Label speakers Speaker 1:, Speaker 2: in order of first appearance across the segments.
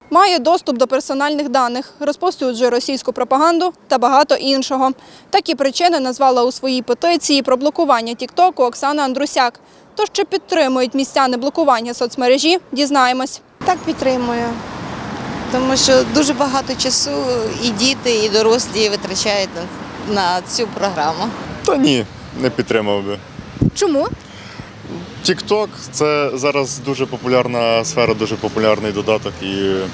Speaker 1: має доступ до персональних даних, розповсюджує російську пропаганду та багато іншого. Такі причини назвала у своїй петиції про блокування Тік-Току Оксана Андрусяк. Тож чи підтримують містяни блокування соцмережі, дізнаємось.
Speaker 2: Так, підтримую, тому що дуже багато часу і діти, і дорослі витрачають на цю програму.
Speaker 3: Та ні, не підтримав би.
Speaker 1: Чому?
Speaker 3: TikTok – це зараз дуже популярна сфера, дуже популярний додаток. І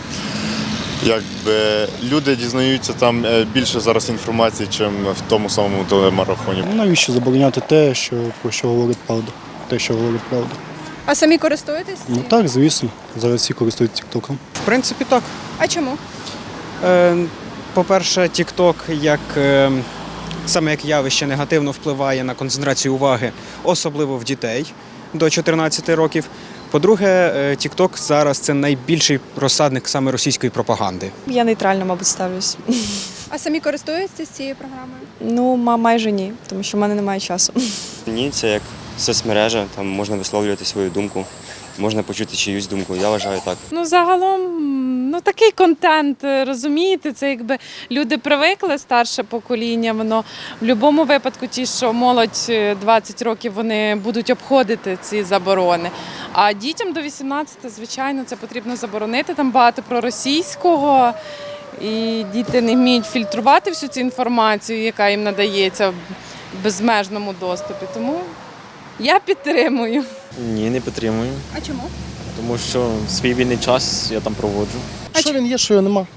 Speaker 3: якби люди дізнаються там більше зараз інформації, ніж в тому самому телемарафоні.
Speaker 4: Навіщо забороняти те, про що говорить правда? Те, що говорить правда.
Speaker 1: А самі користуєтесь?
Speaker 4: Ну так, звісно. Зараз всі користуються тіктоком.
Speaker 5: В принципі, так.
Speaker 1: А чому?
Speaker 5: По-перше, TikTok саме як явище негативно впливає на концентрацію уваги, особливо в дітей до 14 років. По-друге, TikTok зараз це найбільший розсадник саме російської пропаганди.
Speaker 6: Я нейтрально, мабуть, ставлюсь.
Speaker 1: А самі користуєтесь цією програмою?
Speaker 6: Ну, майже ні, тому що в мене немає часу.
Speaker 7: Ні, це як соцмережа, там можна висловлювати свою думку, можна почути чиюсь думку. Я вважаю так.
Speaker 8: Ну, загалом, такий контент, розумієте, це якби люди привикли, старше покоління, воно в будь-якому випадку ті, що молодь 20 років, вони будуть обходити ці заборони. А дітям до 18, звичайно, це потрібно заборонити, там багато проросійського, і діти не вміють фільтрувати всю цю інформацію, яка їм надається в безмежному доступі. Тому я підтримую.
Speaker 9: Ні, не підтримую,
Speaker 1: А чому?
Speaker 9: тому що свій вільний час я там проводжу.
Speaker 10: Що він є, що його нема.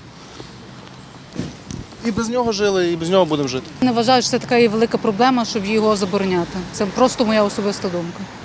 Speaker 10: І без нього жили, і без нього будемо жити.
Speaker 11: Не вважаю, що це така і велика проблема, щоб його забороняти. Це просто моя особиста думка.